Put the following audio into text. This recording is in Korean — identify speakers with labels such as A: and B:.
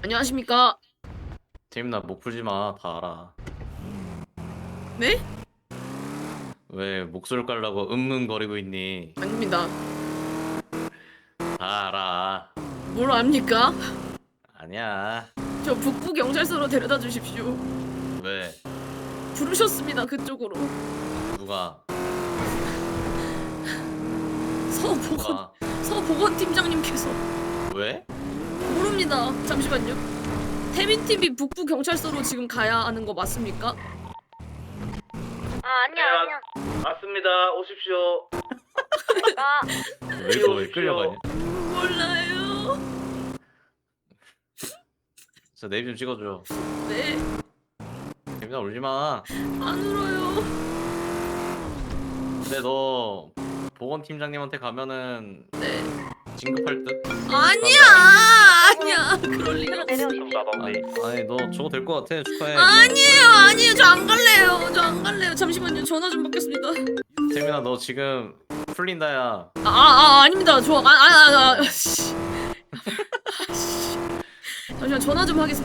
A: 안녕하십니까?
B: 재민아 목 풀지 마. 다 알아.
A: 네?
B: 왜 목소리 깔라고 응응거리고 있니?
A: 아닙니다.
B: 다 알아.
A: 뭘 압니까?
B: 아니야.
A: 저 북부 경찰서로 데려다 주십시오.
B: 왜?
A: 부르셨습니다. 그쪽으로.
B: 누가?
A: 서보건
B: 누가?
A: 서보건 팀장님께서.
B: 왜?
A: 모릅니다. 잠시만요. 태민TV 북부 경찰서로 지금 가야 하는 거 맞습니까?
C: 아니야.
B: 맞습니다. 오십시오.
C: 내가
B: 왜 끌려가냐?
A: 몰라요.
B: 저 네임 좀 찍어줘.
A: 네,
B: 재민아 울지 마.
A: 안 울어요.
B: 근데 너 보건팀장님한테 가면은
A: 네.
B: 진급할 듯?
A: 아니야. 그럴 리가 없어.
B: 아니 너 저거 될 것 같아. 축하해.
A: 아니에요. 저 안 갈래요. 저 안 갈래요. 잠시만요. 전화 좀 받겠습니다.
B: 재민아 너 지금 풀린다야.
A: 아닙니다. 씨. 잠시만 전화 좀 하겠습니다.